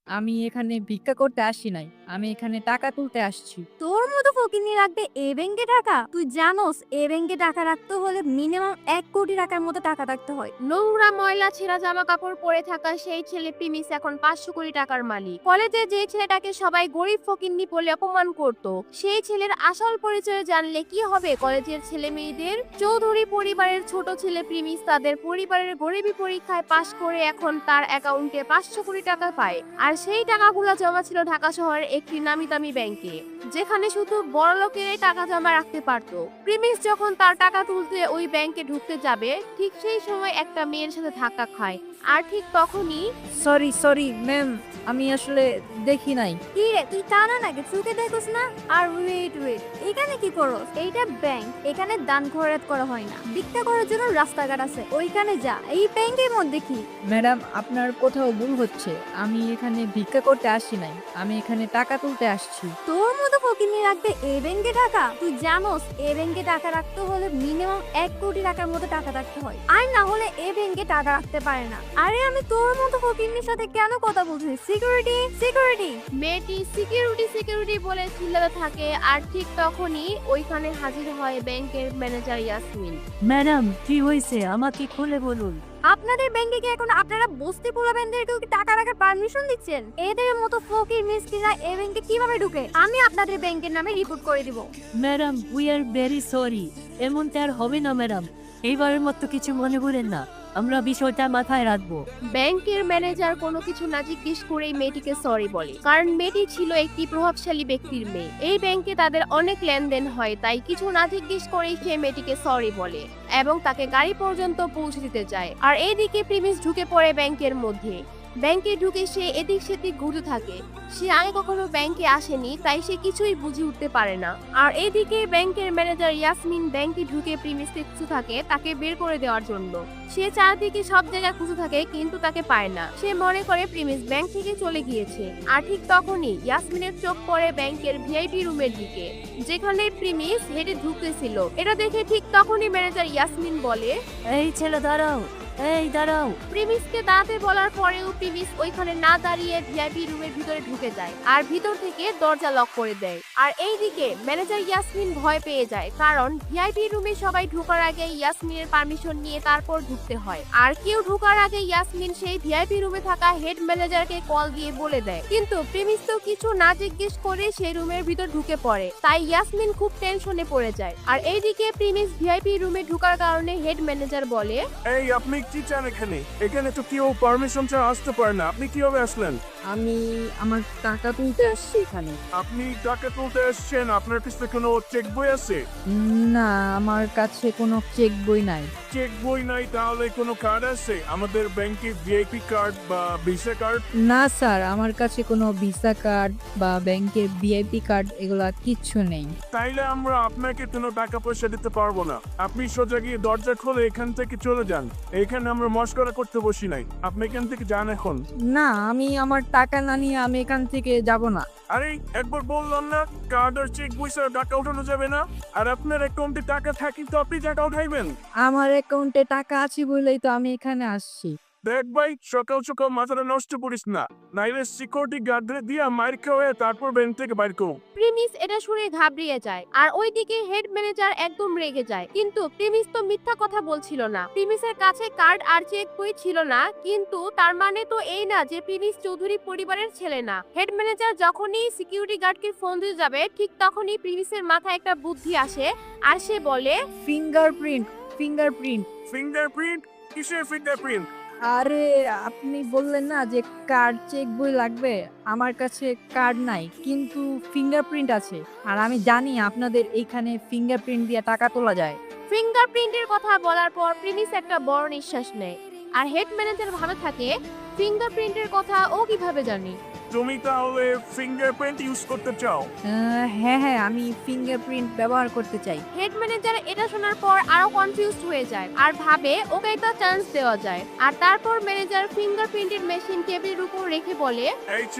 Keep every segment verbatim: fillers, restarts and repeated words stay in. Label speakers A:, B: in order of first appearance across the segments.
A: আমি এখানে ভিক্ষা করতে আসি নাই। আমি এখানে টাকা তুলতে আসছি।
B: তোর মতো ফকিন্নি রাখবে এ ব্যাংকে টাকা? তুই জানোস এ ব্যাংকে টাকা রাখতে হলে মিনিমাম এক কোটি টাকার মতো টাকা রাখতে হয়।
C: নোংরা ময়লা ছেঁড়া জামা কাপড় পরে থাকা সেই ছেলে প্রিমিস এখন পাঁচশো কোটি টাকার মালিক। কলেজে যে ছেলেটাকে সবাই গরিব ফকিন্নি বলে অপমান করত, সেই ছেলের আসল পরিচয় জানলে কি হবে কলেজের ছেলে মেয়েদের? চৌধুরী পরিবারের ছোট ছেলে প্রিমিস তাদের পরিবারের গরিবী পরীক্ষায় পাশ করে এখন তার অ্যাকাউন্টে পাঁচশো কোটি টাকা পায়। আর সেই টাকাগুলো জমা ছিল ঢাকা শহরের একটি নামি দামি ব্যাংকে, যেখানে শুধু বড় লোকেরাই টাকা জমা রাখতে পারত। প্রিমিস যখন তার টাকা তুলতে ওই ব্যাংকে ঢুকতে যাবে, ঠিক সেই সময় একটা মেয়ের সাথে ধাক্কা খায়। আর ঠিক তখনই
A: সরি সরি ম্যাম, আমি আসলে দেখি নাই।
B: কি রে তুই কানা নাকি চোখে দেখোস না? আর ওয়েট ওয়েট, এখানে কি করস? এইটা ব্যাংক, এখানে দান খয়রাত করা হয় না। ভিক্ষা করার জন্য রাস্তাঘাট আছে, ওইখানে যা। এই ব্যাংকের মধ্যে কি?
A: ম্যাডাম, আপনার কোথাও ভুল হচ্ছে। আমি এখানে ভিক্ষা করতে আসি নাই। আমি এখানে টাকা তুলতে আসছি।
B: তোর মতো ফকিন্নি রাখবে এ ব্যাংকে টাকা? তুই জানোস এ ব্যাংকে টাকা রাখতে হলে মিনিমাম এক কোটি টাকার মতো টাকা রাখতে হয়, আর না হলে এ ব্যাংকে টাকা রাখতে পারে না। আরে আমি তোর মতো ফকিন্নির সাথে কেন কথা বলছি? Security security.
C: মেয়েটি সিকিউরিটি সিকিউরিটি বলে চিল্লাতে থাকে। আর ঠিক তখনই ওইখানে হাজির হয় ব্যাংকের ম্যানেজার ইয়াসমিন।
D: ম্যাডাম কি হয়েছে আমাকে খুলে বলুন।
B: আপনাদের ব্যাংকে কি এখন আপনারা বস্তি পোলাবেনদেরকেও কি টাকা রাখার পারমিশন দিচ্ছেন? এদের মতো ফকির মিসকিনরা এই ব্যাংকে কিভাবে ঢুকে? আমি আপনাদের ব্যাংকের নামে রিপোর্ট করে দিব।
D: Madam we are very sorry. এমনটা আর হবে না ম্যাডাম, এইবারের মতো কিছু মনে করেন না, আমরা বিষয়টা মাথায় রাখবো।
C: ব্যাংকের ম্যানেজার কোনো কিছু না জিজ্ঞেস করেই মেয়েটিকে সরি বলে, কারণ মেয়েটি ছিল একটি প্রভাবশালী ব্যক্তির মেয়ে। এই ব্যাংকে তাদের অনেক লেনদেন হয়, তাই কিছু না জিজ্ঞেস করেই সে মেয়েটিকে সরি বলে এবং তাকে গাড়ি পর্যন্ত পৌঁছে দিতে যায়। আর এইদিকে প্রিমিস ঢুকে পড়ে ব্যাংকের মধ্যে। ব্যাংকে ঢুকে সে এদিক সেদিক ঘুরতে থাকে। সে আগে কখনো ব্যাংকে আসেনি, তাই সে কিছুই বুঝে উঠতে পারে না। আর এইদিকে ব্যাংকের ম্যানেজার ইয়াসমিন ব্যাংকে ঢুকে প্রিমিসকে খুঁজে থাকে তাকে বের করে দেওয়ার জন্য। সে চারদিকে সব জায়গায় খুঁজে থাকে কিন্তু তাকে পায় না। সে মনে করে প্রিমিস ব্যাংক থেকে চলে গিয়েছে। আর ঠিক তখনই ইয়াসমিনের চোখ পড়ে ব্যাংকের ভিআইপি রুমের দিকে, যেখানে প্রিমিস হেঁটে ঢুকতেছিল। এটা দেখে ঠিক তখনই ম্যানেজার ইয়াসমিন বলে,
D: এই ছেলে দাঁড়াও, এই দাঁড়াও।
C: প্রিমিসকে দাঁড়াতে বলার পরেও প্রিমিস ওইখানে না দাঁড়িয়ে ভিআইপি রুমের ভিতরে ঢুকে যায় আর ভিতর থেকে দরজা লক করে দেয়। আর এইদিকে ম্যানেজার ইয়াসমিন ভয় পেয়ে যায়, কারণ ভিআইপি রুমে সবাই ঢোকার আগে ইয়াসমিনের পারমিশন নিয়ে তারপর ঢুকতে হয়। আর কেউ ঢোকার আগে ইয়াসমিন সেই ভিআইপি রুমে থাকা হেড ম্যানেজারকে কল দিয়ে বলে দেয়। কিন্তু প্রিমিস তো কিছু না জিজ্ঞেস করে সেই রুমের ভিতর ঢুকে পড়ে, তাই ইয়াসমিন খুব টেনশনে পড়ে যায়। আর এইদিকে প্রিমিস ভিআইপি রুমে ঢোকার কারণে হেড ম্যানেজার বলে,
E: এই আপনি কি চান এখানে? এখানে তো কেউ পারমিশন ছাড়া আসতে পারে না, আপনি কিভাবে আসলেন?
A: আমি আমার টাকা তুলতে আসছি এখানে।
E: আপনি টাকা তুলতে এসেছেন, আপনার কাছে কোনো চেক বই আছে?
A: না, আমার কাছে কোনো চেক বই নাই।
E: চেক বই নাই, তাহলে কোনো কার্ড আছে? আমাদের ব্যাংকে ভিআইপি কার্ড বা ভিসা কার্ড?
A: না স্যার, আমার কাছে কোনো ভিসা কার্ড বা ব্যাংকের ভিআইপি কার্ড এগুলা কিচ্ছু নেই।
E: তাইলে আমরা আপনাকে কোনো টাকা পয়সা দিতে পারবো না। আপনি সোজা গিয়ে দরজা খুলে এখান থেকে চলে যান। এখানে আমরা মস্করা করতে বসি নাই, আপনি এখান থেকে যান এখন।
A: না, আমি আমার টাকা না নিয়ে আমি এখান থেকে যাব না।
E: আরে একবার বললাম না, কার্ড আর চেক বই ছাড়া টাকা উঠানো যাবে না। আর আপনার অ্যাকাউন্টে টাকা থাকি তো আপনি টাকা উঠাইবেন।
A: আমার অ্যাকাউন্টে টাকা আছে বলেই তো আমি এখানে আসছি।
E: দেখ ভাই, সকাল সকাল মাথাটা নষ্ট করিস না, নাইলে সিকিউরিটি গার্ডরে দিয়া মার খাওয়া তারপর ব্যাংক থেকে বাইর করো।
C: প্রিমিস এটা শুনে ঘাবড়িয়ে যায়। আর ওইদিকে হেড ম্যানেজার একদম রেগে যায়। কিন্তু প্রিমিস তো মিথ্যা কথা বলছিল না। প্রিমিসের কাছে কার্ড আর চেক বই ছিল না, কিন্তু তার মানে তো এই না যে প্রিমিস চৌধুরী পরিবারের ছেলে না। হেড ম্যানেজার যখনই সিকিউরিটি গার্ডকে ফোন দিতে যাবে, ঠিক তখনই প্রিমিসের মাথায় একটা বুদ্ধি আসে আর সে বলে,
A: ফিঙ্গারপ্রিন্ট ফিঙ্গারপ্রিন্ট
E: ফিঙ্গারপ্রিন্ট? কিসের ফিঙ্গারপ্রিন্ট?
A: আরে আপনি বললেন না যে কার্ড চেক বই লাগবে, আমার কাছে কার্ড নাই কিন্তু ফিঙ্গারপ্রিন্ট আছে। আর আমি জানি আপনাদের এইখানে ফিঙ্গারপ্রিন্ট দিয়ে টাকা তোলা যায়।
C: ফিঙ্গারপ্রিন্টের কথা বলার পর প্রিমিস একটা বড় নিঃশ্বাস নেয়। আর হেড ম্যানেজার ভাবে থাকে, ফিঙ্গারপ্রিন্টের কথা ও কিভাবে জানি?
E: তুমি তাহলে ফিঙ্গারপ্রিন্ট ইউজ করতে চাও?
A: আহ, হ্যাঁ হ্যাঁ, আমি ফিঙ্গারপ্রিন্ট ব্যবহার করতে চাই।
C: হেড ম্যানেজার এটা শোনার পর আরো কনফিউজড হয়ে যায় আর ভাবে ওকে একটা চান্স দেওয়া যায়। আর তারপর ম্যানেজার ফিঙ্গারপ্রিন্টের মেশিন টেবিলের উপর রেখে বলে,
E: এই ছেলে,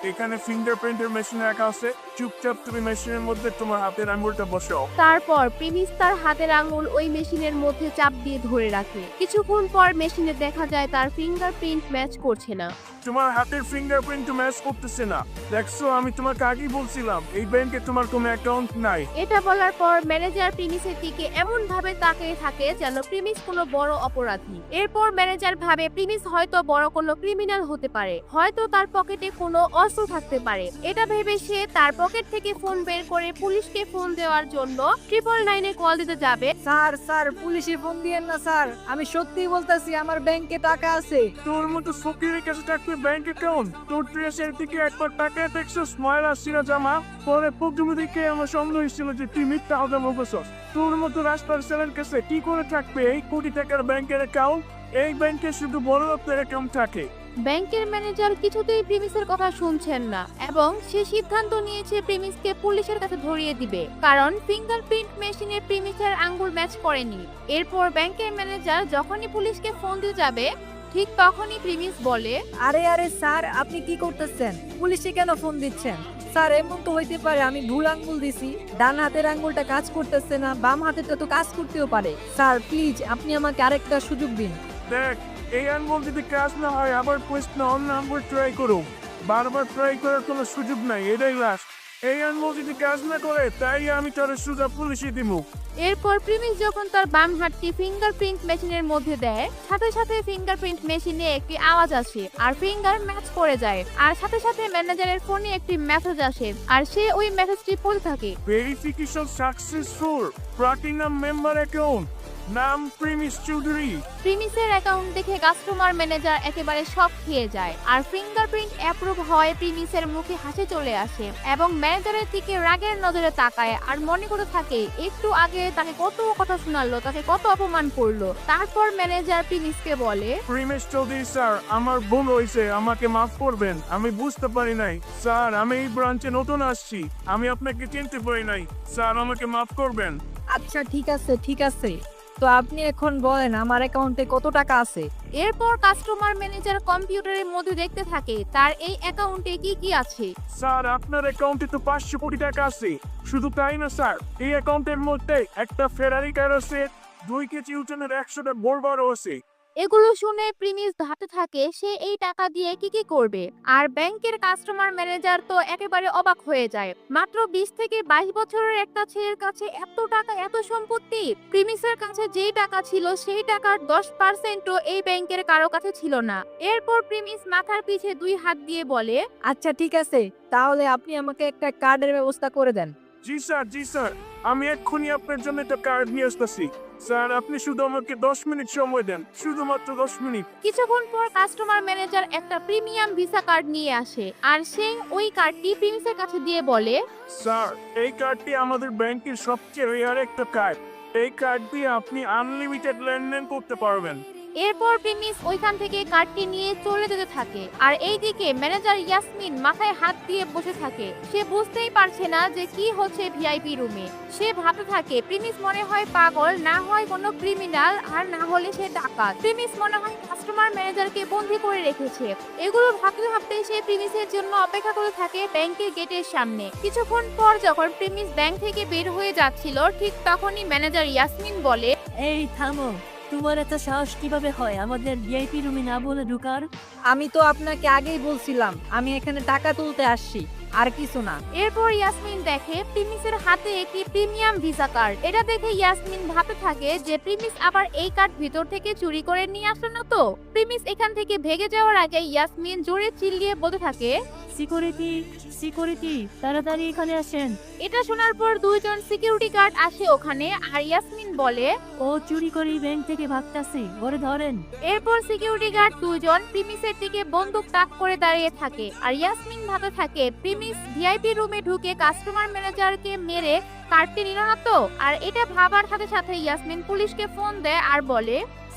E: এখানে ফিঙ্গারপ্রিন্টের মেশিন রাখা আছে, চুপচাপ তুমি মেশিনের মধ্যে তোমার হাতের আঙুলটা বসাও।
C: তারপর প্রিমিস তার হাতের আঙুল ওই মেশিনের মধ্যে চাপ দিয়ে ধরে রাখে। কিছুক্ষণ পর মেশিনে দেখা যায় তার ফিঙ্গারপ্রিন্ট ম্যাচ করছে না।
E: তোমার হাতের ফিঙ্গারপ্রিন্ট ম্যাচ করতেছে না। দেখছো, আমি তোমাকে আগেই বলছিলাম এই ব্যাংকে তোমার কোনো অ্যাকাউন্ট নাই।
C: এটা বলার পর ম্যানেজার প্রিমিসের দিকে এমন ভাবে তাকিয়ে থাকে যেন প্রিমিস কোনো বড় অপরাধী। এরপর ম্যানেজার ভাবে প্রিমিস হয়তো বড় কোনো ক্রিমিনাল হতে পারে, হয়তো তার পকেটে কোনো অস্ত্র থাকতে পারে। এটা ভেবে সে তার পকেট থেকে ফোন বের করে পুলিশকে ফোন দেওয়ার জন্য ট্রিপল নাইনে কল দিতে যাবে।
A: স্যার স্যার পুলিশে ফোন দিয়েন না স্যার, আমি সত্যিই বলতাছি আমার ব্যাংকে টাকা আছে।
E: তোর মতো ফকিরের কাছে থাকবে ব্যাংক অ্যাকাউন্ট? তোর ড্রেসের দিকে একবার টাকা দেখছো, স্মাইল আসছিল জামা পরে প্রথমে দিকে আমার সন্দেহ হয়েছিল যে তুই মিথ্যা হবে মুখোশ। তোর মতো রাস্তার ছেলের কাছে কি করে থাকবে এই কোটি টাকার ব্যাংকের অ্যাকাউন্ট? এই ব্যাংকে শুধু বড় লোকদের অ্যাকাউন্ট থাকে।
C: ব্যাংকের ম্যানেজার কিছুতেই প্রিমিসের কথা শুনছেন না এবং সে সিদ্ধান্ত নিয়েছে প্রিমিসকে পুলিশের কাছে ধরিয়ে দিবে, কারণ ফিঙ্গারপ্রিন্ট মেশিনে প্রিমিসের আঙ্গুল ম্যাচ করেনি। এরপর ব্যাংকের ম্যানেজার যখনই পুলিশকে ফোন দিতে যাবে ঠিক তখনই প্রিমিস বলে,
A: আরে আরে স্যার আপনি কি করতেছেন? পুলিশে কেন ফোন দিচ্ছেন? স্যার এমন তো হইতে পারে আমি ভুল আঙ্গুল দিছি, ডান হাতের আঙ্গুলটা কাজ করতেছে না, বাম হাতেরটা তো কাজ করতেও পারে। স্যার প্লিজ আপনি আমাকে আরেকটা সুযোগ দিন।
E: দেখ, এই আঙ্গুল যদি কাজ না হয় আবার প্রশ্ন অন্য আঙ্গুল ট্রাই করো। বারবার ট্রাই করার কোনো সুযোগ নাই, এটাই লাস্ট। এই আঙ্গুল যদি কাজ না করে তাই আমি তোর সুযোগ পুলিশে দিব।
C: এরপর প্রিমিস যখন তার বাম হাতটি ফিঙ্গারপ্রিন্ট মেশিনের মধ্যে দেয় সাথে সাথে ফিঙ্গারপ্রিন্ট মেশিনে একটি আওয়াজ আসে আর ফিঙ্গার ম্যাচ করে যায়। আর সাথে সাথে ম্যানেজারের ফোনে একটি মেসেজ আসে আর সে ওই মেসেজটি পড়তে থাকে।
E: Verification successful, platinum member account, নাম প্রিমিস চৌধুরী।
C: প্রিমিসের অ্যাকাউন্ট দেখে কাস্টমার ম্যানেজার একেবারে শক খেয়ে যায় আর ফিঙ্গারপ্রিন্ট অ্যাপ্রুভ হয় প্রিমিসের মুখে হাসি চলে আসে এবং ম্যানেজারের দিকে রাগের নজরে তাকায় আর মনে করে থাকে একটু আগে তাকে কত কথা শোনালো, তাকে কত অপমান করলো। তারপর ম্যানেজার প্রিমিসকে বলে,
E: প্রিমিস চৌধুরী স্যার, আমার ভুল হয়েছে, আমাকে মাফ করবেন, আমি বুঝতে পারি নাই। স্যার আমি এই ব্রাঞ্চে নতুন আসছি, আমি আপনাকে চিনতে পারি নাই, স্যার আমাকে মাফ করবেন।
A: আচ্ছা ঠিক আছে ঠিক আছে, তো আপনি এখন বলেন আমার অ্যাকাউন্টে কত টাকা আছে?
C: এরপর কাস্টমার ম্যানেজার কম্পিউটারের মধ্যে দেখতে থাকে তার এই অ্যাকাউন্টে কি কি আছে।
E: স্যার আপনার অ্যাকাউন্টে তো পাঁচশো কোটি টাকা আছে। শুধু তাই না স্যার, এই অ্যাকাউন্টের মধ্যে একটা ফেরারি কার আছে, দুই কেজি ওজনের একশোটা বোরবারও আছে।
C: এগুলো শুনে প্রিমিস ভাবতে থাকে সে এই টাকা দিয়ে কি কি করবে। আর ব্যাংকের কাস্টমার ম্যানেজার তো একেবারে অবাক হয়ে যায়। মাত্র বিশ থেকে বাইশ বছরের একটা ছেলের কাছে এত টাকা, এত সম্পত্তি। প্রিমিসের কাছে যেই টাকা ছিল সেই টাকার দশ পার্সেন্টও এই ব্যাংকের কারো কাছে ছিল না। এরপর প্রিমিস মাথার পিছে দুই হাত দিয়ে বলে,
A: আচ্ছা ঠিক আছে, তাহলে আপনি আমাকে একটা কার্ডের ব্যবস্থা করে দেন।
E: জি স্যার, জি স্যার, আমি এক্ষুনি আপনার জন্য একটা কার্ড নিয়ে আসতেছি। স্যার আপনি শুধু আমাকে দশ মিনিট সময় দেন, শুধুমাত্র দশ মিনিট।
C: কিছুক্ষণ পর কাস্টমার ম্যানেজার একটা প্রিমিয়াম ভিসা কার্ড নিয়ে আসে আর সে ওই কার্ডটি প্রিমিসের কাছে দিয়ে বলে,
E: স্যার এই কার্ডটি আমাদের ব্যাংকের সবচেয়ে রেয়ার একটা কার্ড। এই কার্ড দিয়ে আপনি আনলিমিটেড লেনদেন করতে পারবেন।
C: এরপর প্রিমিস ওইখান থেকে কার্ডটি নিয়ে চলে যেতে থাকে আর এইদিকে ম্যানেজার ইয়াসমিন মাথায় হাত দিয়ে বসে থাকে। সে বুঝতেই পারছে না যে কি হচ্ছে ভিআইপি রুমে। সে ভাবতে থাকে প্রিমিস মনে হয় পাগল, না হয় কোনো ক্রিমিনাল, আর না হলে সে ডাকাত। প্রিমিস মনে হয় কাস্টমার ম্যানেজারকে বন্দি করে রেখেছে। এগুলো ভাবতে ভাবতে সে প্রিমিসের জন্য অপেক্ষা করে থাকে ব্যাংকের গেটের সামনে। কিছুক্ষণ পর যখন প্রিমিস ব্যাংক থেকে বের হয়ে যাচ্ছিল ঠিক তখনই ম্যানেজার ইয়াসমিন বলে,
D: এই থামো, তোমার এত সাহস কিভাবে হয় আমাদের ভিআইপি রুমে না বলে ঢুকার?
A: আমি তো আপনাকে আগেই বলছিলাম আমি এখানে টাকা তুলতে আসছি, আর কিছু না।
C: এরপর ইয়াসমিন দেখে প্রিমিসের হাতে একটি প্রিমিয়াম ভিসা কার্ড। এটা দেখে ইয়াসমিন ভাবতে থাকে যে প্রিমিস আবার এই কার্ড ভিতর থেকে চুরি করে নিয়ে আসলো না তো। প্রিমিস এখান থেকে ভেগে যাওয়ার আগে ইয়াসমিন জোরে চিল্লিয়ে বলতে থাকে,
D: সিকিউরিটি সিকিউরিটি তাড়াতাড়ি এখানে আসেন।
C: এটা শোনার পর দুইজন সিকিউরিটি গার্ড আসে ওখানে আর ইয়াসমিন বলে,
D: ও চুরি করে ব্যাংক থেকে ভাগতাছে, ওরে ধরেন।
C: এরপর সিকিউরিটি গার্ড দুইজন প্রিমিসের দিকে বন্দুক তাক করে দাঁড়িয়ে থাকে আর ইয়াসমিন ভাবতে থাকে প্রিমিস ভিআইপি রুমে ঢুকে কাস্টমার ম্যানেজারকে মেরে কার্ডটি নিল না তো। আর এটা ভাবার সাথে সাথে ইয়াসমিন পুলিশকে ফোন দেয় আর বলে,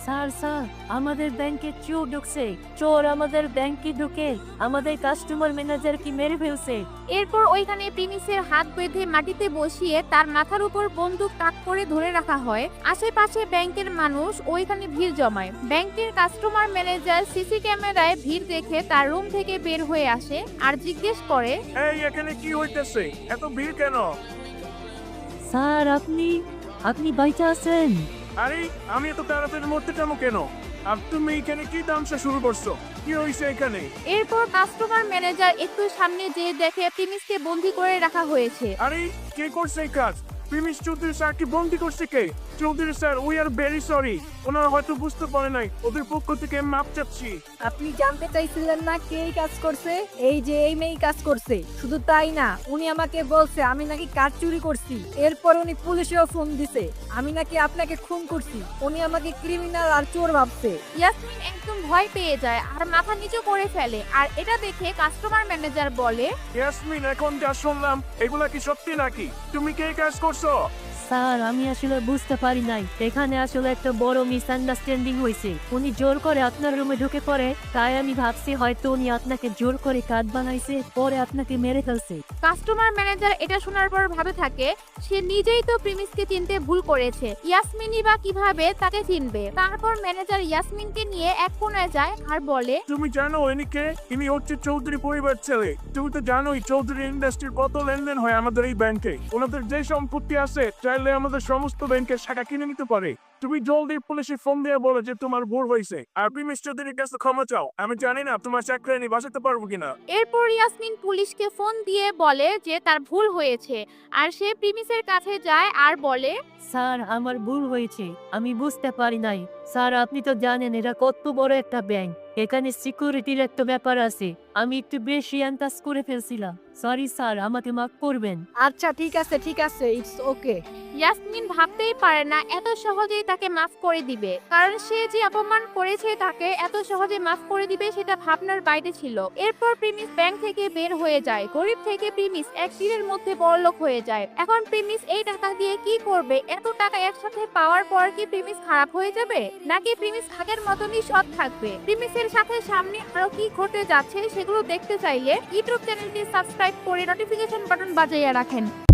D: স্যার স্যার আমাদের ব্যাংকে চোর ঢুকছে, চোর আমাদের ব্যাংকে ঢুকে আমাদের কাস্টমার ম্যানেজার কি মেরে ফেলছে।
C: এরপর ওইখানে প্রিমিসের হাত বেঁধে মাটিতে বসিয়ে তার মাথার উপর বন্দুক তাক করে ধরে রাখা হয়। আশেপাশে ব্যাংকের মানুষ ওইখানে ভিড় জমায়। ব্যাংকের কাস্টমার ম্যানেজার সিসি ক্যামেরায় ভিড় দেখে তার রুম থেকে বের হয়ে আসে আর জিজ্ঞেস করে,
E: এই এখানে কি হইতেছে, এত ভিড় কেন?
D: স্যার আপনি আপনি বাইচা আছেন?
E: আরে আমি এত তাড়াতাড়ি মরতে যাবো কেন? আর তুমি এখানে কি তামসা শুরু করছো? কি হয়েছে এখানে?
C: এরপর কাস্টমার ম্যানেজার একটু সামনে যেয়ে দেখে প্রিমিসকে বন্দি করে রাখা হয়েছে।
E: আরে কে করছে এই কাজ? প্রিমিস চৌধুরী স্যার কি বন্দি করছে কে? Chowdhury sir we are very sorry, ওনারা হয়তো বুঝতে পারে নাই, ওদের পক্ষ থেকে মাপ চাচ্ছি।
A: আপনি জানতে চাইছিলেন না কে এই কাজ করছে? এই যে এই মেয়ে কাজ করছে। শুধু তাই না, উনি আমাকে বলছে আমি নাকি কাজ চুরি করছি। এরপর উনি পুলিশেও ফোন দিছে আমি নাকি আপনাকে খুন করছি। উনি আমাকে ক্রিমিনাল আর চোর ভাবছে।
C: ইয়াসমিন একদম ভয় পেয়ে যায় আর মাথা নিচু করে ফেলে। আর এটা দেখে কাস্টমার ম্যানেজার বলে,
E: ইয়াসমিন এখন যা শুনলাম এগুলা কি সত্যি নাকি? তুমি কে কাজ করছো?
D: স্যার আমি আসলে বুঝতে পারি নাই, এখানে আসলে একটা বড় মিসআন্ডারস্ট্যান্ডিং হয়েছে। উনি জোর করে আপনার রুমে ঢুকে পড়ে, তাই আমি ভাবছি হয়তো উনি আপনাকে জোর করে কাজ বানাইছে, পরে আপনাকে মেরে ফেলছে।
C: কাস্টমার ম্যানেজার এটা শোনার পর ভাবে থাকে সে নিজেই তো প্রিমিসকে চিনতে ভুল করেছে, ইয়াসমিনই বা কিভাবে তাকে চিনবে। তারপর ম্যানেজার ইয়াসমিনকে নিয়ে এক কোণায় যায় আর বলে,
E: তুমি জানো ইনি কে? ইনি হচ্ছে চৌধুরী পরিবার ছেলে। তুমি তো জানোই চৌধুরী ইন্ডাস্ট্রির কত লেনদেন হয় আমাদের এই ব্যাংকে। ওনাদের যে সম্পত্তি আছে চাইলে আমাদের সমস্ত ব্যাংকের শাখা কিনে নিতে পারে। তুমি জলদি পুলিশে ফোন দিয়ে বলো যে তোমার ভুল হয়েছে আর প্রিমিস চৌধুরীর কাছে ক্ষমা চাও। আমি জানি না তোমার চাকরি নিয়ে বাঁচাতে পারবো কিনা।
C: এরপর ইয়াসমিন পুলিশকে ফোন দিয়ে বলে যে তার ভুল হয়েছে আর সে প্রিমিসের কাছে যায় আর বলে,
D: স্যার আমার ভুল হয়েছে, আমি বুঝতে পারি নাই। স্যার আপনি তো জানেন এটা কত বড় একটা ব্যাংক, এখানে সিকিউরিটির একটা ব্যাপার আছে, আমি একটু বেশি আন্দাজ করে ফেলছিলাম। সরি স্যার, আমাকে মাফ করবেন।
A: আচ্ছা ঠিক আছে ঠিক আছে, ইটস ওকে।
C: ইয়াসমিন ভাবতেই পারে না এত সহজেই তাকে মাফ করে দিবে, কারণ সে যে অপমান করেছে তাকে এত সহজে মাফ করে দিবে সেটা ভাবনার বাইরে ছিল। এরপর প্রিমিস ব্যাংক থেকে বের হয়ে যায়। গরিব থেকে প্রিমিস এক দিনের মধ্যে বড়লোক হয়ে যায়। এখন প্রিমিস এই টাকা দিয়ে কি করবে? এত টাকা একসাথে পাওয়ার পর কি প্রিমিস খারাপ হয়ে যাবে, নাকি প্রিমিস আগের মতনই সৎ থাকবে? প্রিমিসের সাথে সামনে আরো কি ঘটে যাচ্ছে সেগুলো দেখতে চাইলে ইউটিউব চ্যানেলটি সাবস্ক্রাইব করে নোটিফিকেশন বাটন বাজাইয়া রাখেন।